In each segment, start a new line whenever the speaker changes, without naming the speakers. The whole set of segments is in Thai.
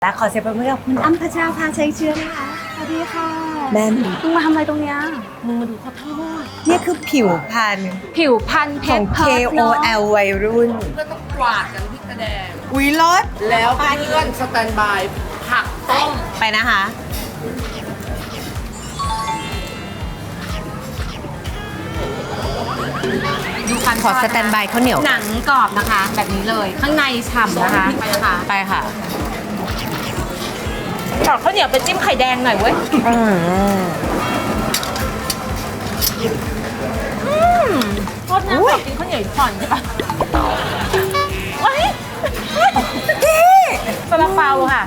และขอเสียงปรบมือกับคุณอ้ำพัชราภาชัยเชื้อนะคะสวัสดีค่ะแม่
มึงมาทำอะไรตรงเนี้ย
มึงมาดูข้าวโพดนี่คือผิวพรรณ
ผิวพันเพ
ขอ
ช
ง
รเพิร์ดเนอะ
KOL วัยรุ่น
ก็ต้องกวาดกันที่กระแดง
อุ้ยรถ
แล้วเพื่อนสแตนบายผักต้ม
ไปนะคะ
ดูคัน
ขอสแตนบายข้าวเหนียว
หนังกรอบนะคะ แบบนี้เลยข้างในฉ่ำนะคะไปนะคะ
ไปค่ะ
ขอข้าวเหนียวไปจิ้มไข่แดงหน่อยเว้ยโทษนะขอกินข้าวเหนียวอีกผ่อนใช่ปะเฮ้ยซาลาเปาค่ะ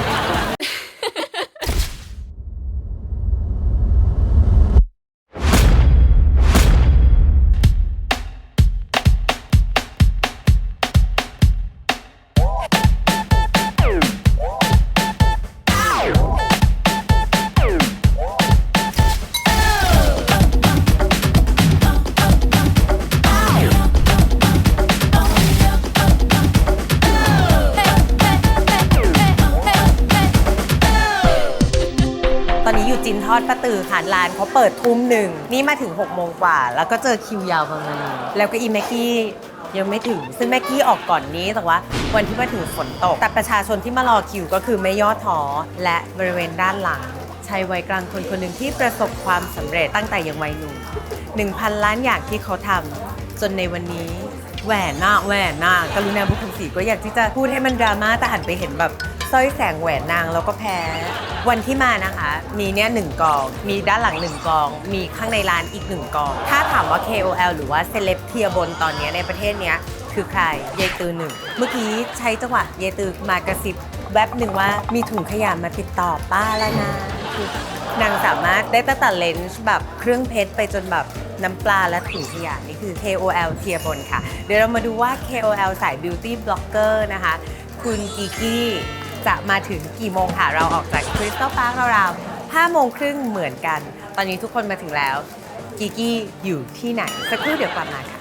ตอนนี้อยู่จินทอดป้าตือค่ะร้านเขาเปิดทุ่มหนึ่งนี่มาถึง6 โมงกว่าแล้วก็เจอคิวยาวประมาณนี้แล้วก็อีแม็กกี้ยังไม่ถึงซึ่งแม็กกี้ออกก่อนนี้แต่ว่าวันที่มาถึงฝนตกแต่ประชาชนที่มารอคิวก็คือไม่ย่อท้อและบริเวณด้านหลังชายวัยกลางคนคนหนึ่งที่ประสบความสำเร็จตั้งแต่ยังวัยหนุ่ม 1,000 ล้านอย่างที่เขาทำจนในวันนี้แหวนหน้ากรุณาบุคคลศรีก็อยากที่จะพูดให้มันดราม่าแต่หันไปเห็นแบบสร้อยแสงแหวนนางแล้วก็แพ้วันที่มานะคะ มีเนี่ย1 กอง มีด้านหลัง1 กอง มีข้างในร้านอีก1 กอง ถ้าถามว่า KOL หรือว่าเซเลบเทียบนตอนนี้ในประเทศเนี้ยคือใครยายตือหนึ่งเมื่อกี้ใช้จังหวะยายตือมากระซิบแวบหนึ่งว่ามีถุงขยะมาติดต่อป้าแล้วนะคือนางสามารถได้ตั้งแต่เลนส์แบบเครื่องเพชรไปจนแบบน้ำปลาและถุงขยะนี่คือ KOL เทียบนค่ะ เดี๋ยวเรามาดูว่า KOL สาย Beauty Blogger นะคะคุณกิกกี้จะมาถึงกี่โมงค่ะ เราออกจาก Crystal Park ราวๆ5 โมงครึ่งเหมือนกัน ตอนนี้ทุกคนมาถึงแล้วกิกกี้อยู่ที่ไหนสักครู่เดี๋ยวกลับมาค่ะ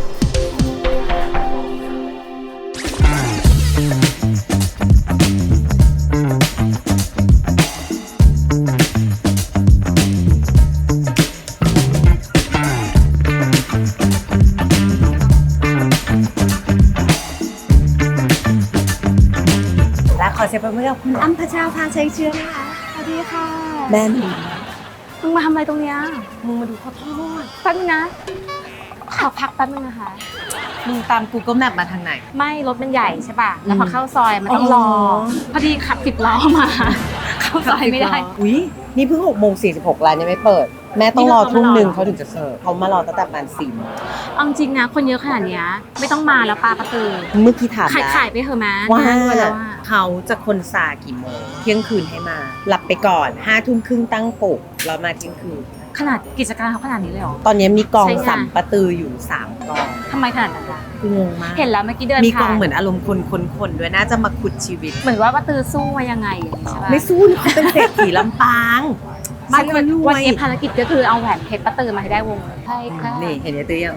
และขอเสียงปรบมือกับคุณอ้ำพัชราภาชัยเชื้อนะคะสวัสดีค่ะแม่
มึงมาทำอะไรตรงเนี้ย
มึงมาดูข้าวโพด
แป๊บนึงนะขอพักแป๊บนึงนะคะ
มึงตาม Google Map มาทางไหน
ไม่รถมันใหญ่ใช่ป่ะแล้วพอเข้าซอยมันต้องรอพอดีขับ10 ล้อมา เข้าซอยไม่ได้
อุ๊ย นี่เพิ่ง6 โมง 46ร้านยังไม่เปิด แม่ต้องรอทุ่มหนึ่งเขาถึงจะเสิร์ฟเขามารอตั้งแต่ประมาณ4 โมง
เอาจริงนะคนเยอะขนาดเนี้ยไม่ต้องมาแล้วปลาประตือ
เมื่อกี้ถาม
ขาย
แล้ว
ขายไปเถอะแม่
ว่า
น่ด้วยแล้วอะ
เขาจะคนซากี่โมง เที่ยงคืนให้มา หลับไปก่อน 5 ทุ่มครึ่งตั้งปลุกแล้วมาเที่ยงคืน
ขนาดกิจการเขาขนาดนี้เลยเหรอ
ตอนนี้มีกอง
ใช่ไง
สัมปะตืออยู่3 กอง
ทำไมขนาดนั้นล่ะ
คืองงมาก
เห็นแล้วเมื่อกี้เดิน
มีกอง
ผ่าน
เหมือนอารมณ์คนด้วยน่าจะมาขุดชีวิต
เหมือนว่าประตือสู้มายังไงอย่างนี้ใช่ปะ
ไม่สู้เขาเป็นเศรษฐีลำปางบ้านคนรว
วัน
ย
นี้ภารกิจก็คือเอาแหวนเพชรประตือมาให้ได้วงใช่ค่ะ
นี่เห็นยายตือยัง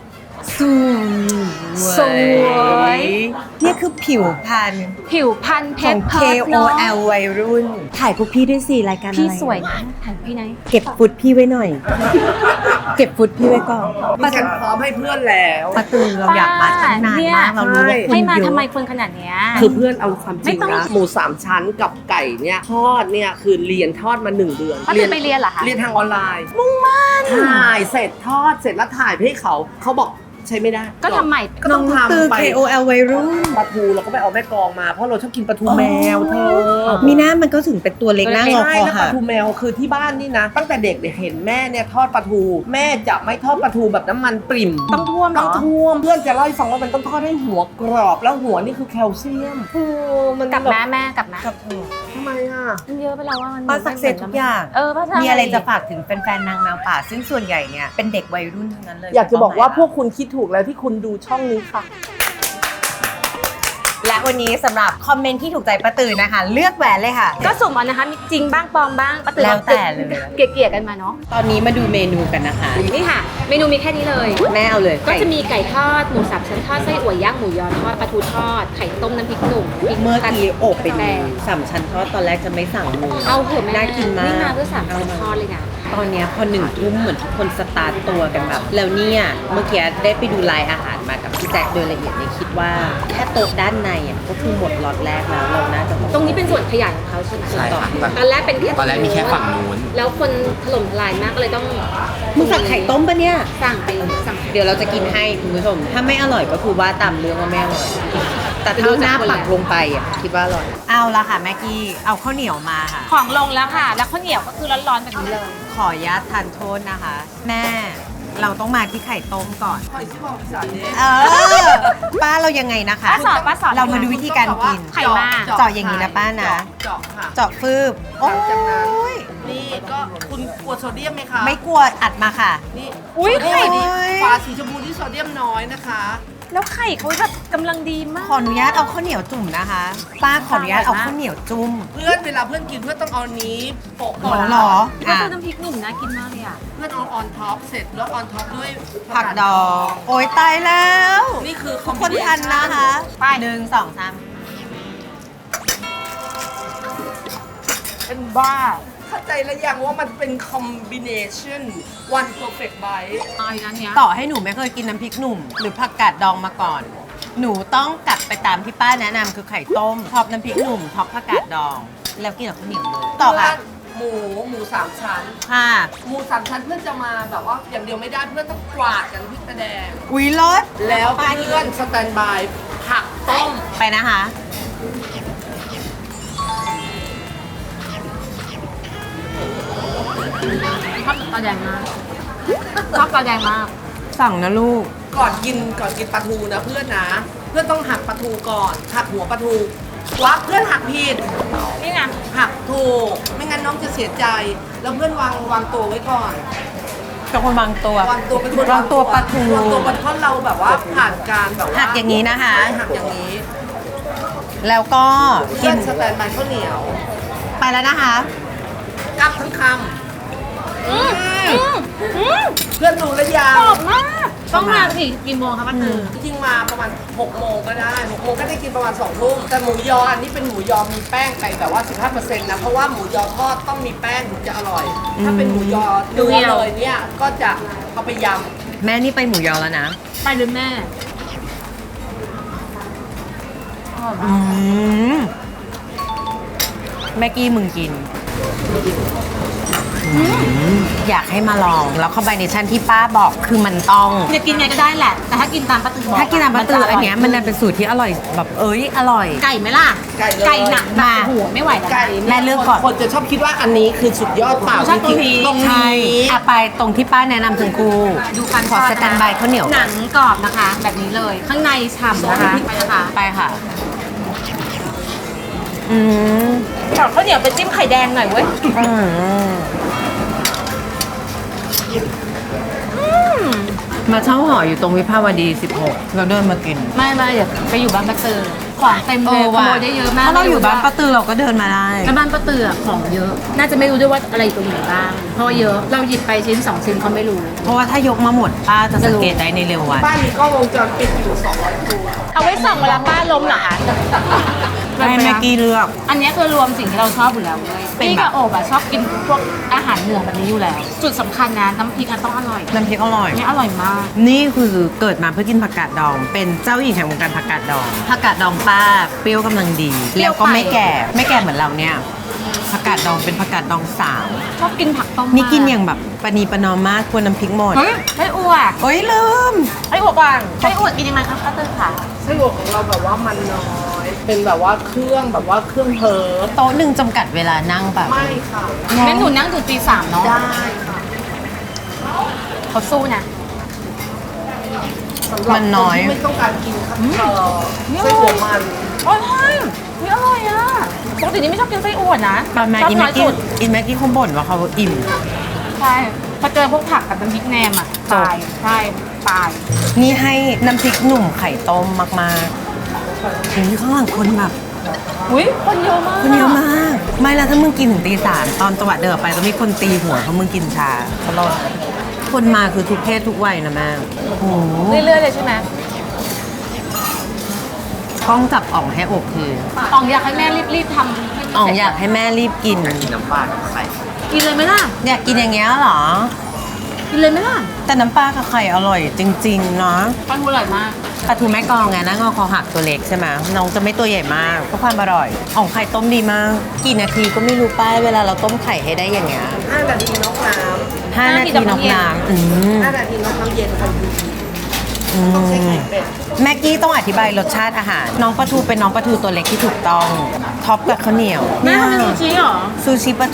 สวย
นี่คือผิวพรรณ
ผิวพันเพ
ขอ
ช
ง
รเพิร์ดเนอะ
KOL วัยรุ่น ถ่ายพวกพี่ด้วยสิรายการอะไร
พี่สวยนะถ่ายพี่ไหน
เก็บฟุตพี่ไว้หน่อย เก็บฟุตพี่ไว้ก่อน
ดิฉันพร้อมให้เพื่อนแล้ว
ประตูเราอยากมาตั้งนานมากเรารู้ว่าคน
ให้มา
เย
ทำไม
อะ
คนขนาดเนี้ย
คือเพื่อนเอาความจริง
ไม่ต้อง
นะหมู3 ชั้นกับไก่เนี่ยทอดเนี่ยคือเรียนทอดมา1 เดือน
ป้าตือไปเรียนเหรอคะ
เรียนทางออนไลน์มุ่งมั่นถ่ายเสร็จทอดเสร็จแล้วถ่ายไปให้เขาบอกใช้ไม่ได้
ก็ทำใหม่
ก็ต้อง
ตือ
ทำไป
KOL วัยรุ่น
ปลาทูเราก็ไปเอาแม่กองมาเพราะเราชอบกินปลาทูแมวเธอ
มีหน้ามันก็ถึงเป็นตัวเล็กหน้างอ
ใช่
คอ
แล้วป
ค่ะ
ลาทูแมวคือที่บ้านนี่นะ ตั้งแต่เด็กเนี่ยเห็นแม่เนี่ยทอดปลาทู แม่จะไม่ทอดปลาทูแบบน้ำมันปริ่ม
ต้องท่วมเหร
ต้อ
อ
งท่วมเพื่อนจะเล่าให้ฟังว่ามันต้องทอดให้หัวกรอบแล้วหัวนี่คือแคลเซียมโอ้มัน
กลับ
แบบ
แม่กลับนะ
กับเธอ
ทำไมอ่ะ
มันเยอะไปแล้วว่ามัน
ป้าสักเซสทุกอย่าง
ป้าใช่
มีอะไรจะฝากถึงแฟนๆนางแมวป่า ซึ่งส่วนใหญ่เนี่ยเป็นเด็กวัยรุ่นทั้งนั้นเลย
อยากจะบอกว่าพวกคุณคิดถูกแล้วที่คุณดูช่องนี้ค่ะ
และวันนี้สำหรับคอมเมนต์ที่ถูกใจป้าตือนะคะ เลือกแหวนเลยค่ะ
ก็สุ่มเอานะคะมีจริงบ้างปลอมบ้างปะตื่น
แล้วแต่เลย
เกลี่ยๆกันมาเนาะ
ตอนนี้มาดูเมนูกันนะคะ
นี่ค่ะ เมนูมีแค่นี้เลย
แม่เอาเลย
ก็จะมีไก่ทอดหมูสับชั้นทอดไส้อั่วย่างหมูยอทอดปลาทูทอดไข่ต้มน้ำพริกหนุ่มพริก
เมื่อกี้โอบไป
แด
ดู
ง
สามชั้นทอดตอนแรกจะไม่สั่งหมู
เอาเถอะแม่
น่ากินมาก
นี่มาเพื่อสั่งชั้นทอดเลยนะ
ตอนเนี้ยพอ1 ทุ่มเหมือนทุกคนสตาร์ทตัวกันแบบ แล้วเนี่ยเมื่อกี้ได้ไปดูรายอาหารมากับพี่แจ็คโดยละเอียดเนี่ยคิดว่าแค่โต๊ะด้านในอ่ะก็คือหมดล็อตแรกแล้วเราน่าจะ
ตรงนี้เป็นส่วนขยายของเขาใช่ไหม
ใช่ค่ะ
ตอนแรกเป็นแค่
ตอนแรกมีแค่ฝั่งนู้น
แล้วคนถล่มทลายมากก็เลยต้อง
มึงสั่งไข่ต้มปะเนี่ย
สั่งไปสั่ง
เดี๋ยวเราจะกินให้คุณผู้ชม ถ้าไม่อร่อยก็คือว่าตามเรื่องว่าไม่อร่อย แต่ถ้าหน้าปักลงไปอ่ะคิดว่าอร่อย เอาละค่ะแม่กี้ เอาข้าวเหนียวมาค่ะ
ของลงแล้วค่ะ แล้วข้าวเหนียวก็คือร้อนๆแบบนี้เลย
ขออนุญาตทานโทษนะคะ แม่ เราต้องมาที่ไข่ต้มก่อน เออ ป้าเรายังไงนะคะ
ป้าสอน
เรามาดูวิธีการกิน
ไข่มา
เจาะอย่างนี้นะป้านะ
เจาะค่ะ
เจาะฟืบโอ้
หลังจากนั้น
ย
นี่ก็คุณกลัวโซเดียมไหมคะ
ไม่กลัวอัดมาค่ะ
นี่
อุ๊ย
โซเดีม
ไข่
นี่
โอ้ย
ฝาสีชมพูที่โซเดียมน้อยนะคะ
แล้วไข่เขาแบบกำลังดีมาก
ขออนุญาตเอาข้าวเหนียวจุ่มนะคะ ป้าขออนุญาตเอาข้าวเหนียวจุ่ม
เพื่อนเวลาเพื่อนกินเพื่อนต้องเอานี้โปะ
โอ้เหรอ
ก็
อ่ะ
คือน้ำพริกหนุ่มน่ากินมากเลยอ่ะ
เพื่อนเอาออนท็อปเสร็จแล้วออนท็อปด้วย
ผักดอง โอ้ยตายแล้ว
นี่คือ
ทุกคนทันนะคะ
ไป
หนึ่งสองสาม
เป็นบ้า
เข้าใจแล้วยังว่ามันเป็นคอมบิเนชัน one perfect bite
อายนั้นเนี้ย
ต่อให้หนูไม่เคยกินน้ำพริกหนุ่ม หรือผักกาดดองมาก่อน หนูต้องกัดไปตามที่ป้าแนะนำคือไข่ต้มท็อปน้ำพริกหนุ่มท็อปผักกาดดอง แล้วกินกับข้าวเหนียวเลยต่อค่ะ
หมูสามชั้น
ค่ะ
หมูสามชั้นเพื่อนจะมาแบบว่าอย่างเดียวไม่ได้เพื่อนต้องกวาดกันพริกกระแดง
อุ้ยรส
แล้วเพื่อนสแตนบายผักต้ม
ไปนะคะ
ชอบตาแดงมากชอบตาแดงมาก
สั่งนะลูก
ก่อนกินปลาทูนะเพื่อนนะ เพื่อนต้องหักปลาทูก่อนหักหัวปลาทูวักเพื่อนหักผิด
นี่ไง
หักถูกไม่งั้นน้องจะเสียใจ แล้วเพื่อนวางตัวไว้ก่อน
เป็นคนวางตัว
วางตัวเป็นคน
วางตัวปลาทู
วางตัวปลาทูเราแบบว่าผ่านการแบบว่า
หักอย่างนี้นะคะ
ใช่หักอย่างนี้
แล้วก็กิ
เพื่อน นสแตนบายข้าวเหนียว
ไปแล้วนะคะ
กัดทั้งคำเพื่อนรู้แล้วยัง
กรอบมาก ต้องมาสิกี่โมงครับป้าตือ
จริงๆมาประมาณ6 โมงก็ได้6 โมงก็ได้กินประมาณ2 ทุ่มแต่หมูยออันนี้เป็นหมูยอมีแป้งไปแบบว่า 15%นะเพราะว่าหมูยอทอดต้องมีแป้งถึงจะอร่อย ถ้าเป็นหมูยอเนื้อเลยเนี่ยก็จะเอาไปย
แม่นี่ไปหมูยอแล้วนะ
ไปหรือแม่
อืมแม่กี้มึงกิน อยากให้มาลอง แล้วคอมบิเนชันที่ป้าบอกคือมันต้อง
จะกินไงก็ได้แหละ แต่ถ้ากินตามป้าตือบอก
ถ้ากินน้ำปลาตืออันเนี้ยมันเป็นสูตรที่อร่อยแบบอร่อย
ไก่ไหมล่ะ
ำไก่เลย
ไก่หนัก
มา
โอ้โหัวไม่ไหวแล้ว
ไก่
แม่เลือกก่อน
คนจะชอบคิดว่าอันนี้คือสุดยอดเปล่า
ชอบตรงนี้
ตรง
ใช่
นี้
อะไปตรงที่ป้าแนะนำถึงกู
ดูการ
ขอสแตนบายข้าวเหนียว
หนังกรอบนะคะ แบบนี้เลย ข้างในฉ่ำนะคะ ไปนะคะ
ไปค่ะ อืม
ขอข้าวเหนียวไปจิ้มไข่แดงหน่อยเว้ย
อืมมาเช่าหออยู่ตรงวิภาวดี 16 เราเดินมากิน
ไม่เดี๋ยวไปอยู่บ้านป้าตือของเต็มเลยขโมยได้เยอะมาก
ถ้าเราอยู่บ้านป้าตือเราก็เดินมาได้
แล้วบ้านป้าตืออะของเยอะ น่าจะไม่รู้ด้วยว่าอะไรอยู่ตรงไหนบ้าง เพราะว่าเยอะ เราหยิบไปชิ้น2 ชิ้นเขาไม่รู้
เพราะว่าถ้ายกมาหมดป้าจะสังเกตได้ในเร็ววัน
บ้านมีกล้องวงจรปิดอยู่200 ตัว
เอาไว้ส่องเวลาป้าล้มเหรอคะ
ให้แม็กกี้เลือก
อันนี้คือรวมสิ่งที่เราชอบอยู่แล้วเลย
เป็น
พี่
แบบ
กับโอบอะชอบกินพวกอาหารเหนือแบบนี้อยู่แล้ว จุดสำคัญนะน้ำพริกอะต้องอร่อย
น้ำพริกอร่อย
อันนี้อร่อยมาก
นี่คือเกิดมาเพื่อกินผักกาดดอง เป็นเจ้าหญิงแห่งวงการผักกาดดอง ผักกาดดองป้าเปรี้ยวกำลังดี
เปรี้
แล้
ยว ว
ก็ไม่
ไป
แก่ ไม่แก่เหมือนเราเนี่ย ผักกาดดองเป็นผักกาดดองสาว
ชอบกินผักต้ม
นี่กินอย่างแบบปณีประนอมมากควรน้ำพริกหมด
เฮ้ยไส้อั่ว
โอ้ยลืม
ไส้อั่วก่อนไส้อั่วกินยังไงครับป้าตือค่ะ
ไส้อั่วของเราแบบว่ามันน้อย เป็นแบบว่าเครื่องแบบว่าเครื่องเพิร์
โต๊ะหนึ่งจำกัดเวลานั่งแบบ
ไม่ค่ะ
งั้นหนูนั่งถึงตี 3เนาะ
ได้ค่ะ
เขาสู้นะ
สำหรับ
มันน้อย
คที่ไม่ต้องการกินครับไส้อั่วมัน
โอ้ยนี่อร่อยอ่ะปกตินี่ไม่ชอบกินไส้อั่วนะ
ตอนมา
ชอบ
อี
น้
แม็
อก ย
กี้
สุด
อีแม็กกี้เขาบ่นว่าเขาอิ่ม
ใช่พอเจอพวกผักกับน้ำพริกแหนมอ่ะ
จบ
ตายใช่ตาย
นี่ให้น้ำพริกหนุ่มไข่ต้มมากโอ้ยข้างหลังคนแบบ
อุ้ยคนเยอะมาก
คนเยอะมาก ไม่แล้วถ้ามึงกินถึงตี 3ตอนจังหวะเดินออกไปต้องมีคนตีหัวเพราะมึงกินชาตลอดคนมาคือทุกเพศทุกวัยนะแม่โอ้โห
เรื่อยๆเลยใช่ไหม
กล้องจับอ่องให้อกที
อ๋องอยากให้แม่รีบๆทำให้มัน
อ่อง
เสร็จ
อยากให้แม่รีบกิน
กินเลยไหมล่ะ
อยากกินอย่างเงี้ยเหรอ
กินเลยไหมล่ะ
แต่น้ำปลากับไข่อร่อยจริงๆเนาะ
ปลาทูอร่อยมาก
ปลาทูแม่กลองไงนะงอคอหักตัวเล็กใช่ไหมน้องจะไม่ตัวใหญ่มากก็ความอร่อยอ่องไข่ต้มดีมาก กี่นาทีก็ไม่รู้ป้ายเวลาเราต้มไข่ให้ได้อย่างเงี้ย
5 นาทีน็อกน้
5 นาทีน็อกน้ำ
ำ5 นาทีน็อกน้ำเย็นค่ะต้องใช้ไข่เป็ด
แม็กกี้ต้องอธิบายรสชาติอาหาร น้องปลาทูเป็นน้องปลาทูตัวเล็กที่ถูกต้อง ท็อปกับข้าวเหนียว
แม่ทำเป็นซูชิเหรอ
ซูชิปลาทู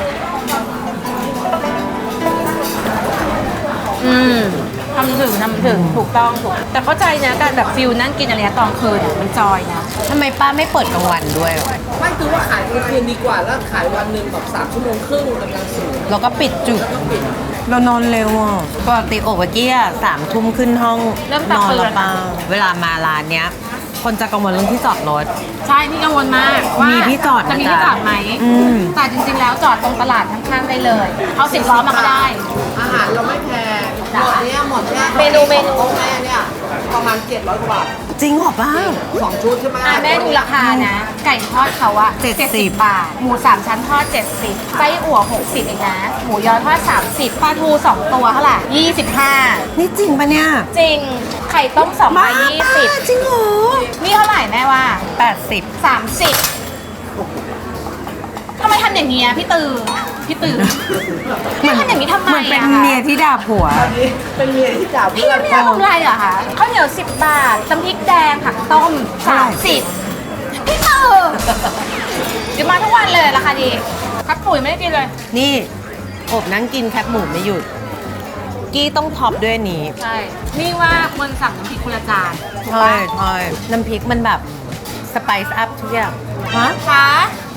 ทำถึงถูกต้องถูก แต่เข้าใจนะการแบบฟิลนั่งกินอะไรตอนคืนมันจอยนะ
ทำไมป้าไม่เปิดกลางวันด้วย
ไม่คือว่าขายกลางคืนดีกว่าแล้วขายวันหนึ่งแบบ3 ชั่วโมงครึ่งกำลังสูง
แล้วก็ปิดจุดเรานอนเร็วอ่ะปกติโอบเมื่อกี้อ่ะ3 ทุ่มขึ้นห้อง
เริ่ม
น
ตัก
อน
เตือน
แล้วป้าเวลามาร้านเนี้ย คนจะกังวลเรื่องที่จอดรถ
ใช่พี่กังวลมากว่า
มีที่จอดนะ
จะมีที่จอดไหม
อืม
แต่จริงๆแล้วจอดตรงตลาดข้างๆได้เลย เอา10 ล้อมาก็ได้
อาหารเราไม่แพงหมดเนี้ยหมดเนี้ย
เมนู
ของแม่เนี่ยประมาณ700 กว่าบาท
จริงเหรอป้า
2 ชุดใช่ไหม
แม่ดูราคานะ ไก่ทอดเขาอะ
70
บาท หมู3 ชั้นทอด 70ไส้อั่ว60เองนะ หมูยอทอด30ปลาทู2 ตัวเท่าไหร่25
นี่จริงปะเนี่ย
จริง ไข่ต้ม2
ป้า
ใบ
จริงเหรอ
20นี่เท่าไหร่แม่ว่า
80
30ทำไมทำอย่างเงี้ยพี่ตือพี่ตือพี่ทำอย่างนี้ทำไม
เหมือนเป็น
อะคะ
เมียที่ด่าผัว
อันนี้เป็นเมียที่จ่า
พี่
เพื่อน
ไม่ได้กำไรเหรอคะข้าวเหนียว10 บาทน้ำพริกแดงผักต้ม30พี่ตือเดี๋ยวมาทุกวันเลยราคาดีครับปุ๋ยไม่ได้กินเลย
นี่อบนั่งกินแคบหมูไม่หยุด กี้ต้องท็อปด้วยนี้
ใช่นี่ว่าควรสั่งน้ำพริกคนละจานถูก
ใช่
ปะ
ใช่น้ำพริกมันแบบสไปซ์อัพทุกอย่างฮะ
คะ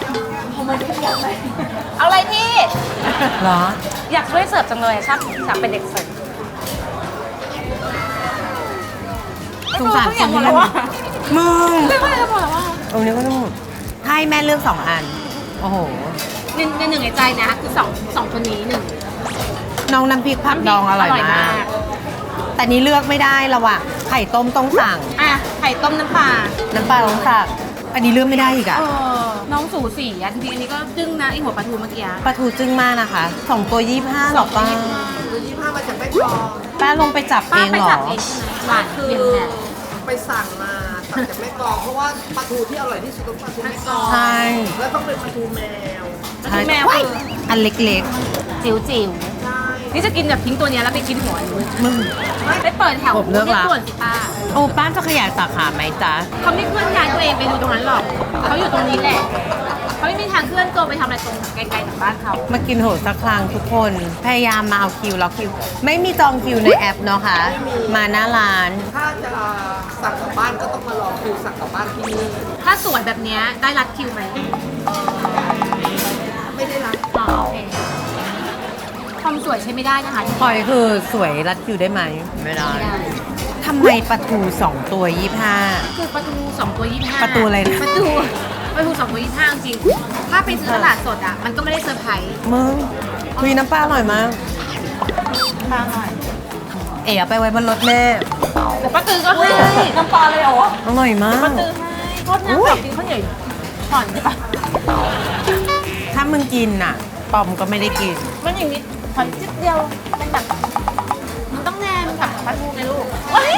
เอาอะไรพี่
เหรอ
อยากช่วยเสิร์ฟจังเลยชอบอยากเป็นเด็กเสิร์ฟ
สงสาร
ไม่รู้เขาอยากหมดแล้วอะ
มึง
ไม่ว่าจะบอกแล้วว่า
ตรงนี้ก็ต้องให้แม่เลือก2 อัน โอ้โห
ในหนึ่งในใจนะคือสองคนนี้หนึ่ง
น้องน้ำพริกผักดองอร่อยมาก แต่นี้เลือกไม่ได้ระหว่างไข่ต้มต้องสั่ง
อ่ะไข่ต้มน้ำปลา
น้ำปลาต้องสั่ง อันนี้เลือกไม่ได้อีกอะ
น้องสูสีอ่ะจริงๆอันนี้ก็จึ้งนะไอหัวปลาทูเมื่อกี้
ปลาทูจึ้งมากนะคะ2 ตัว 25หรอป้า
หรือ25มาจากแม่กลอง
ป้าลงไปจับเอ
ป้าง ไป
เหรอ
จับเองใช่ไหมหวาน
คื
เย็น
อ
แน่
ไปสั่งมาสั่งจากแม่กลองเพราะว่าปลาทูที่อร่อยที่สุดต้องปลาทูแม่กลอง
ใช่
แล้วต้องเป็นปลาทูแมว
ปลาทูแมว
ใช่
คือ
อันเล็ก
จิ๋วจิ๋ว
ใช่
นี่จะกินแบบทิ้งตัวเนี้ยแล้วไปกินหัวนู้น
ๆมึง
ไปเปิดแถว
ผมเลือกละ
ส่วนสิป้า
โอ้ป้าจะขยายสาขาไหมจ๊ะ
เขาไม่เคลื่อนย้ายตัวเองไปดูตรงนั้นหรอกเขาอยู่ตรงนี้แหละเขาไม่มีทางเคลื่อนตัวไปทำอะไรตรงไกลๆจากบ้านเขา
มากินโหดสักครั้งทุกคน พยายามมาเอาคิวล็อกคิว ไม่มีจองคิวในแอปเนาะคะ มาหน้าร้าน
ถ้าจะสั่งกลับบ้านก็ต้องมารอคิวสั่งกลับบ้านที่นี่
ถ้าสวยแบบเนี้ยได้รัดคิวไหม
ไม่ได้รับ
อ๋อโอเคความสวยใช้ไม่ได้นะคะ
พลอยคือสวยรัดคิวได้ไหม ไม่ได้
ไม่ได้
ทำไมปลาทู2 ตัว 25
คือปลาทู2 ตัว 25
ปลาทูอะไรนะ
ปลาทู2 ตัว 25 จริงถ้าไปซื้อตลาดสดอ่ะมันก็ไม่ได้เซอร์ไพรส์
มึงคุยน้ำปลาอร่อยมาก
ปลาหน่อย
เอ๋เอาไปไว้บนรถแม่
แต่ป้าตือก็ให้น้ำปลาเลยเหรอ
อร่อยมาก
ป้าตือให้โทษนะ
อุ๊
ข
ย
อกินข้าวเหนียวก่อนได้ปะ
ถ้ามึงกินน่ะ ปอมก็ไม่ได้กิน
มันอย่างนี้ขอจิ๊บเดียวเป็นแบบมันต้องแนมกับปลาทูไงลูกเฮ้ย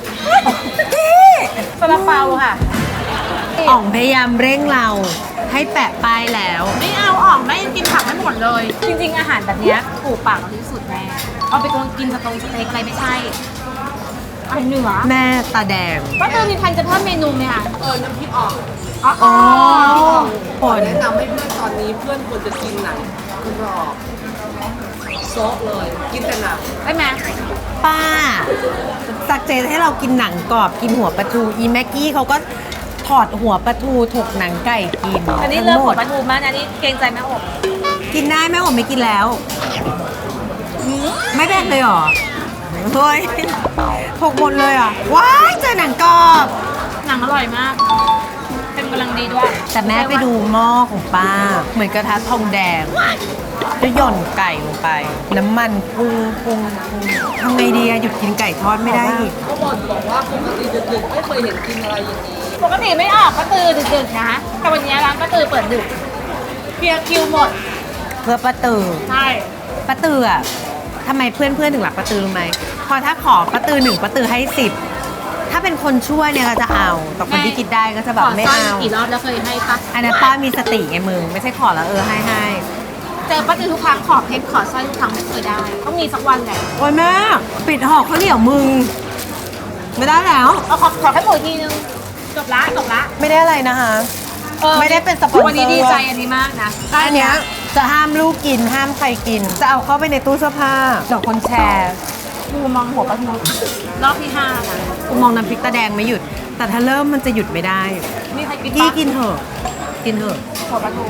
ซาลาเปาค่ะ
อ่องพยายามเร่งเราให้แปะป้ายแล้ว
ไม่เอาออกแม่ยังกินผักไม่หมดเลย จริง ๆ อาหารแบบเนี้ยถูกปากเราที่สุดแม่เอาไปกินสเต็กอะไรไม่ใช่เป็นเหนือ
แม่ตาแดง
ป้าตือมีทันจะเพิ่มเมนูไหมคะ
น้ำพริกอ่อง
อ๋อ
อ๋อ
ขอแนะนำให้เพื่อนตอนนี้เพื่อนควรจะกินหนังกรอบโซะเลย กินแต่หนัง
ได้ไหม
ป้าสักเจนให้เรากินหนังกรอบกินหัวปลาทูอีแม็กกี้เขาก็ถอดหัวปลาทูถกหนังไก่กิน
อันนี้
ทั้
เริ่ม
งห
หั
ม
ว
ด
ปลาทูมากอันนี้เกรงใจแม่อบ
กินได้แม่ผมไม่กินแล้ว ไม่แบ่งเลยเหรอเฮ้ยถกหมดเลยเหรอ่ะว้ายเจอหนังกรอบ
หนังอร่อยมาก เป็นกำลังดีด้วย
แต่แม่ไปดูหม้อของป้า เหมือนกระทะทองแดงแล้วหย่อนไก่ลงไป น้ำมันพุ่งทำไงดีอะหยุดกินไก่ทอดไม่ได้อีก
ก็บอกว่าปกติดึกๆไม่เคยเห็นกินอะไรอย่างนี้
ปกติไม่ออกป้าตือดึกๆนะแต่วันนี้ร้านป้าตือเปิดดึกเคลียร์คิวหมด
เพื่อป้าตือ
ใช่
ป้าตืออะทำไมเพื่อนๆถึงรักป้าตือรู้ไหมพอถ้าขอป้าตือ1ป้าตือให้10ถ้าเป็นคนช่วยเนี่ยก็จะเอาแต่คนที่กินได้ก็จะแบบไม่
ขอสร้
เอา
อยกี่รอบแล้วเคยให้ปะ
อันนั้นป้ามีสติไงมึงไม่ใช่ขอแล้วให้
เจอป้าตือทุกครั้งขอเพชรขอสร้อยทุกครั้งไม่เคยได้ ต้องมีสักวันแหละ
โอ้ยแม่ปิดห่อข้าวเหนียวมึง ไม่ได้แล้ว
เอาขอแค่หมดทีนึงจบละ
ไม่ได้อะไรนะคะ ไม่ได้เป็นสปอนเซอร์
วันนี้ดีใจอันนี้มากนะ
อันเนี้ยจะห้ามลูกกินห้ามใครกิน จะเอาเข้าไปในตู้เสื้อผ้าเดี๋ยวคนแชร์
กูมองหัวปลาทูรอบที่5นะ
กูมองน้ำพริกตาแดงไม่หยุด แต่ถ้าเริ่มมันจะหยุดไม่ได้
มีใครกิน
กี้
ปะ
กินเถอะกินเถอะ
หัวปลาทู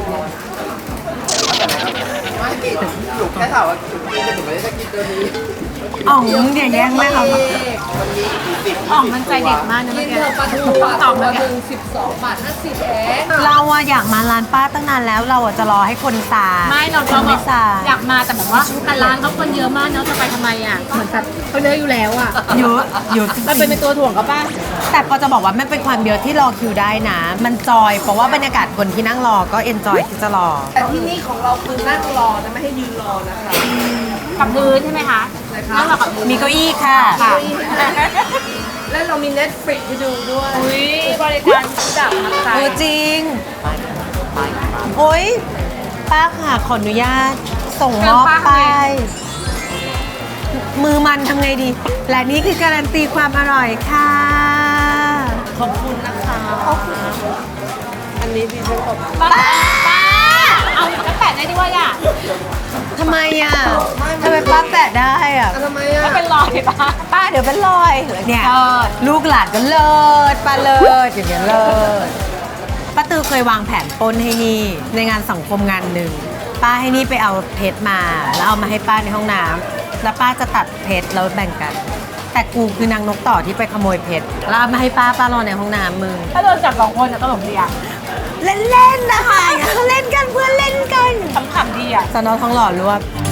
ไม่กินหนูแค่ถามว่าหนูกินแต่หนูไม่ได้จะกินตัวนี้
อ๋องมึงเนี่ยแย่งแม่เขา
วันนี้10
อ่องมันใจเด็ดมากนะ
กิ
เมื่อน กี้
เถอะปลาทูปลา
ต่อ
ทู
มา
หนึ่ง12 บาท 50เอง
เราอะอยากมาร้านป้าตั้งนานแล้ว เราอะจะรอให้คนซา
ไม่เรา
คนไม่ซา
อยากมาแต่แบบว่าแต่ร้านเขาคนเยอะมากเนาะจะไปทำไมอ่ะเหมือนแบบเขาเยอะอยู่แล้วอ่ะ
เยอะเยอะจริง
มันเป็นตัวถ่วงเขาป่ะ
แต่ก็จะบอกว่ามันเป็นความเยอะที่รอคิวได้นะ มันจอย เพราะว่าบรรยากาศคนที่นั่งรอก็เอนจอยที่จะรอ
แต่ที่นี่ของเราคือนั่งรอนะไม่ให้ยืนรอนะคะ
กับพื้นใช่ไหมคะ
ใช่ค่ะ
นั่งกับพื้น
มีเก้าอี้ค่ะ
ค่ะ
และเรามี Netflix ให้ดูด้วย
อุ้ยบริการจากมักไซ
โอ้จริง โอ้ยป้าค่ะขออนุญาตส่งมอบไป มือมันทำไงดี และนี่คือการันตีความอร่อยค่ะ
ขอบคุณนะคะ อันนี้ดิฉันขอบคุณ
ป้าเอากระแปะได้ด้วยอ่ะ
ทำไมอ่ะทำไมป้าแปะได้อ่ะ
ทำไมอ่ะ
ก็เป็นรอยป้า
ป้าเดี๋ยวเป็นรอย เนี่ย
เลิศ
ลูกหลานก็เลิศป้าเลิศอย่างเงี้ยเลิศป้าตือเคยวางแผนปล้นให้นี่ในงานสังคมงานหนึ่งป้าให้นี่ไปเอาเพชรมา แล้วเอามาให้ป้าในห้องน้ำแล้วป้าจะตัดเพชรแล้วแบ่งกัน แต่กูคือนางนกต่อที่ไปขโมยเพชรแล้วเอามาให้ป้ารอในห้องน้ำมึง
ถ้าโดนจับ2 คนจะตลกดีอ่ะ
เล่นๆนะคะเล่นกันเพื่อนเล่นกัน
ขำๆดีอ่ะ
สนอทองหล่อรวบ